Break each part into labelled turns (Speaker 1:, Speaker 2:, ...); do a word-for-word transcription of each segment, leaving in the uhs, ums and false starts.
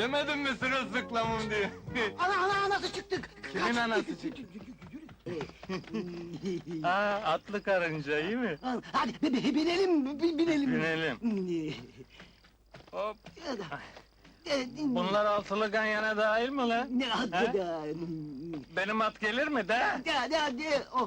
Speaker 1: Demedim mi sırılsıklamım diye?
Speaker 2: Ana ana anası çıktık!
Speaker 1: Kimin anası çıktı? Aa, atlı karınca, iyi mi?
Speaker 2: Hadi bi- bi- binelim, bi- binelim!
Speaker 1: Binelim. Hop!
Speaker 2: Ee,
Speaker 1: Bunlar altılı ganyana dahil mi lan?
Speaker 2: Ne
Speaker 1: He?
Speaker 2: adı da?
Speaker 1: Benim at gelir mi de?
Speaker 2: Hadi hadi hadi! Oh.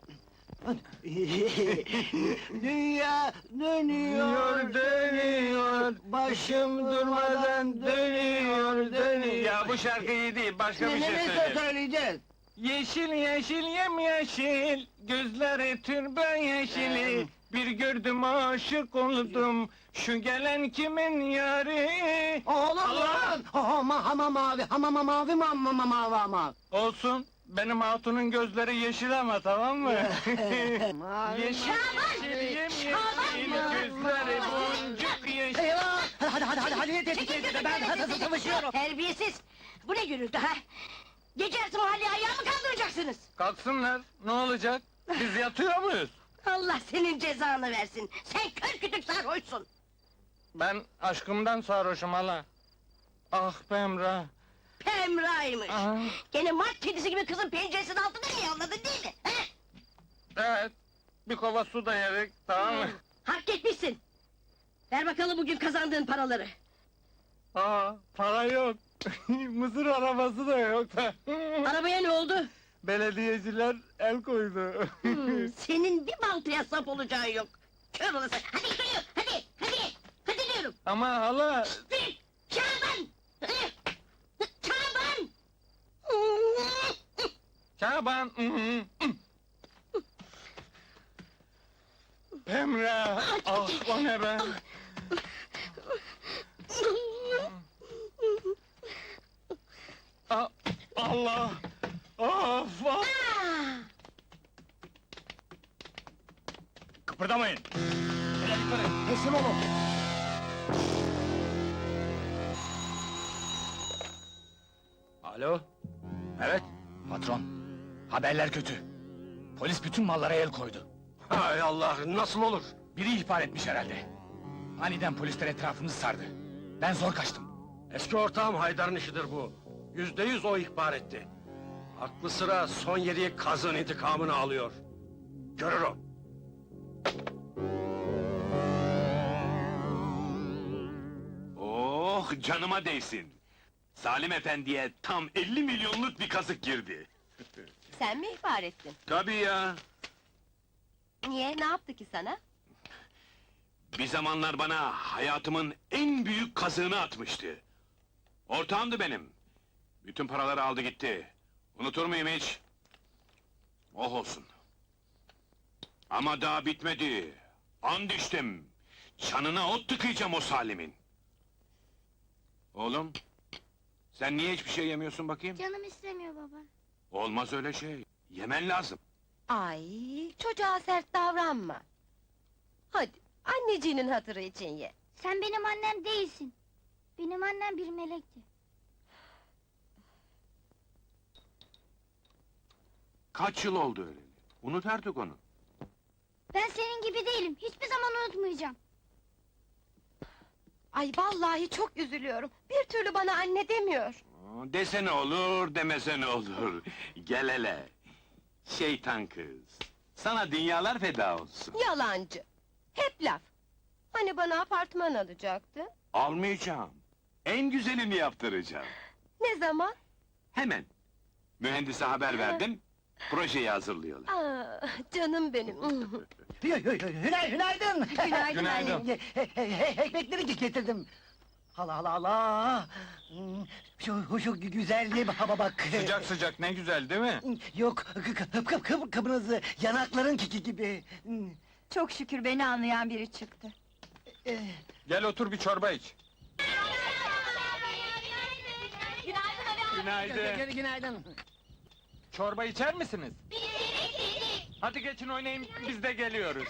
Speaker 2: Dünya dönüyor,
Speaker 1: Dönüyor, dönüyor, başım durmadan dönüyor, dönüyor. Ya bu şarkı iyi değil, başka bir
Speaker 2: Ne
Speaker 1: şey
Speaker 2: ne
Speaker 1: söyle.
Speaker 2: söyleyeceğiz?
Speaker 1: Yeşil yeşil yemyeşil, gözleri türbe yeşili. Bir gördüm aşık oldum, şu gelen kimin yari?
Speaker 2: Oğlum
Speaker 1: Allah!
Speaker 2: lan! Hama hama mavi, hama ma- mavi ma ma ma mavi ama!
Speaker 1: Olsun, benim hatunun gözleri yeşil ama, tamam mı?
Speaker 2: Mavi,
Speaker 1: Yeşil
Speaker 3: Şaban!
Speaker 1: yeşil yemyeşil,
Speaker 3: Şaban!
Speaker 1: gözleri boncuk yeşil.
Speaker 2: Eyvah! Hadi hadi hadi hadi hadi
Speaker 3: Çekil
Speaker 2: hadi
Speaker 3: gözüm,
Speaker 2: ben
Speaker 3: çekil,
Speaker 2: hadi
Speaker 3: çekil.
Speaker 2: savaşıyorum!
Speaker 3: Terbiyesiz! Bu ne gürültü ha? Gece yarısı mahalleye ayağa mı kaldıracaksınız?
Speaker 1: Kalksınlar, ne olacak? Biz yatıyor muyuz?
Speaker 3: Allah senin cezanı versin! Sen kör kütük sarhoşsun!
Speaker 1: Ben aşkımdan sarhoşum hala. Ah be Emrah!
Speaker 3: Pemra'ymış!
Speaker 1: Ah,
Speaker 3: Gene mart kedisi gibi kızın penceresinin altında mı yavladın değil mi? He?
Speaker 1: evet, bir kova su da yedik, tamam mı?
Speaker 3: Hak etmişsin! Ver bakalım bugün kazandığın paraları!
Speaker 1: Aa, para yok. Mısır arabası da yok da.
Speaker 3: Arabaya ne oldu?
Speaker 1: Belediyeciler el koydu.
Speaker 3: Hmm, senin bir baltaya sap olacağın yok! Kör olası! Hadi yürü! Hadi! Hadi! Hadi diyorum!
Speaker 1: Ama hala...
Speaker 3: Yürü! Şaban! Şaban!
Speaker 1: Şaban... Pemra! Ah, o ne be? Ah, Allah! Of, of! Kıpırdamayın!
Speaker 2: Teslim olun!
Speaker 4: Alo? Evet, patron. Haberler kötü. Polis bütün mallara el koydu.
Speaker 5: Hay Allah, nasıl olur?
Speaker 4: Biri ihbar etmiş herhalde. Aniden polisler etrafımızı sardı. Ben zor kaçtım.
Speaker 5: Eski ortağım Haydar'ın işidir bu. Yüzde yüz o ihbar etti. Aklı sıra son yediği kazın intikamını alıyor. Görür o.
Speaker 6: Oh, canıma değsin! Salim Efendi'ye tam elli milyonluk bir kazık girdi.
Speaker 7: Sen mi ihbar ettin?
Speaker 6: Tabii ya!
Speaker 7: Niye, ne yaptı ki sana?
Speaker 6: Bir zamanlar bana hayatımın en büyük kazığını atmıştı. Ortağımdı benim. Bütün paraları aldı gitti. Unutur muyum hiç? Oh olsun! Ama daha bitmedi. And içtim. Çanına ot tıkayacağım o Salim'in. Oğlum, sen niye hiçbir şey yemiyorsun bakayım?
Speaker 8: Canım istemiyor baba.
Speaker 6: Olmaz öyle şey. Yemen lazım.
Speaker 7: Ay, çocuğa sert davranma. Hadi, anneciğinin hatırı için ye.
Speaker 8: Sen benim annem değilsin. Benim annem bir melekti.
Speaker 6: Kaç yıl oldu öyle? Unut artık onu.
Speaker 8: Ben senin gibi değilim. Hiçbir zaman unutmayacağım.
Speaker 7: Ay vallahi çok üzülüyorum. Bir türlü bana anne demiyor.
Speaker 6: Aa, desene olur, demesene olur. Gel hele. Şeytan kız. Sana dünyalar feda olsun.
Speaker 7: Yalancı. Hep laf. Hani bana apartman alacaktı?
Speaker 6: Almayacağım. En güzelini yaptıracağım.
Speaker 7: Ne zaman?
Speaker 6: Hemen. Mühendise haber verdim. Projeyi hazırlıyorlar.
Speaker 7: Aa, canım benim.
Speaker 2: Hü- hü- hü- Hünay, günaydın!
Speaker 7: Günaydın.
Speaker 1: Günaydın.
Speaker 2: He- he- he- Ekmekleri getirdim. Allah Allah Allah! Hmm, Şu, şu güzelliğe baba bak!
Speaker 1: Sıcak sıcak, ne güzel değil mi?
Speaker 2: Yok, kıp kıp kıp kıpırızı, yanakların kiki gibi! Hmm,
Speaker 3: Çok şükür beni anlayan biri çıktı.
Speaker 2: eh,
Speaker 1: Gel otur bir çorba iç.
Speaker 2: Günaydın!
Speaker 1: Günaydın.
Speaker 2: Günaydın!
Speaker 1: Çorba içer misiniz? Hadi geçin oynayın, biz de geliyoruz.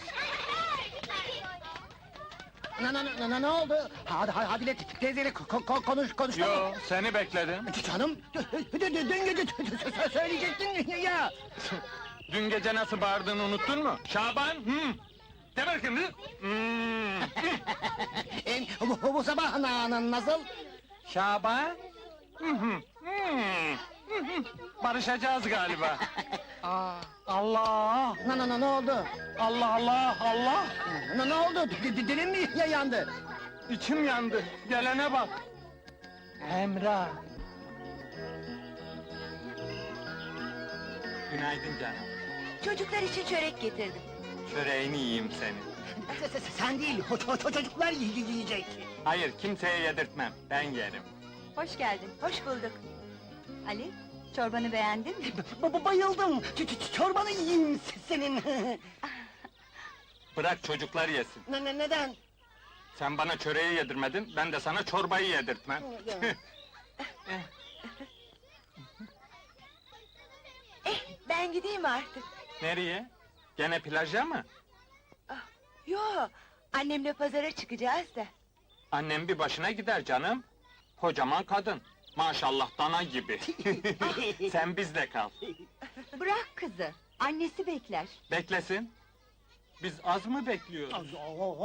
Speaker 2: Na na na na ne oldu? Hadi hadi hadi teyzeyle ko- ko- konuş konuş.
Speaker 1: Yo, seni bekledim.
Speaker 2: Canım, dün dün- dün gece sö- söyleyecektin ya.
Speaker 1: Dün gece nasıl bağırdığını unuttun mu? Şaban, hı? De bakayım, hı? Hmm.
Speaker 2: En, bu, bu sabah na, na, nasıl?
Speaker 1: Şaban? Hı hı, hı, hı hı. Barışacağız galiba. Allah!
Speaker 2: Ne ne ne ne oldu?
Speaker 1: Allah Allah Allah!
Speaker 2: Ne ne oldu? D- d- Dilin mi ya- yandı?
Speaker 1: İçim yandı. Gelene bak. Emrah. Günaydın canım.
Speaker 7: Çocuklar için çörek getirdim.
Speaker 1: Çöreğini yiyeyim senin.
Speaker 2: Se- se- se- Sen değil, o, o- o çocuklar y- y- yiyecek.
Speaker 1: Hayır, kimseye yedirtmem. Ben yerim.
Speaker 7: Hoş geldin, hoş bulduk. Ali, çorbanı beğendin mi?
Speaker 2: Ba- ba- bayıldım. Ç- ç- çorbanı yiyeyim se- senin.
Speaker 1: Bırak çocuklar yesin.
Speaker 2: ne, ne, neden?
Speaker 1: Sen bana çöreği yedirmedin, ben de sana çorbayı yedirtmem.
Speaker 7: Ben gideyim artık.
Speaker 1: Nereye? Gene plaja mı?
Speaker 7: Yo, annemle pazara çıkacağız da.
Speaker 1: Annem bir başına gider canım. Kocaman kadın. Maşallah dana gibi. Sen bizde kal.
Speaker 7: Bırak kızı, annesi bekler.
Speaker 1: Beklesin. Biz az mı bekliyoruz?
Speaker 2: Az- o-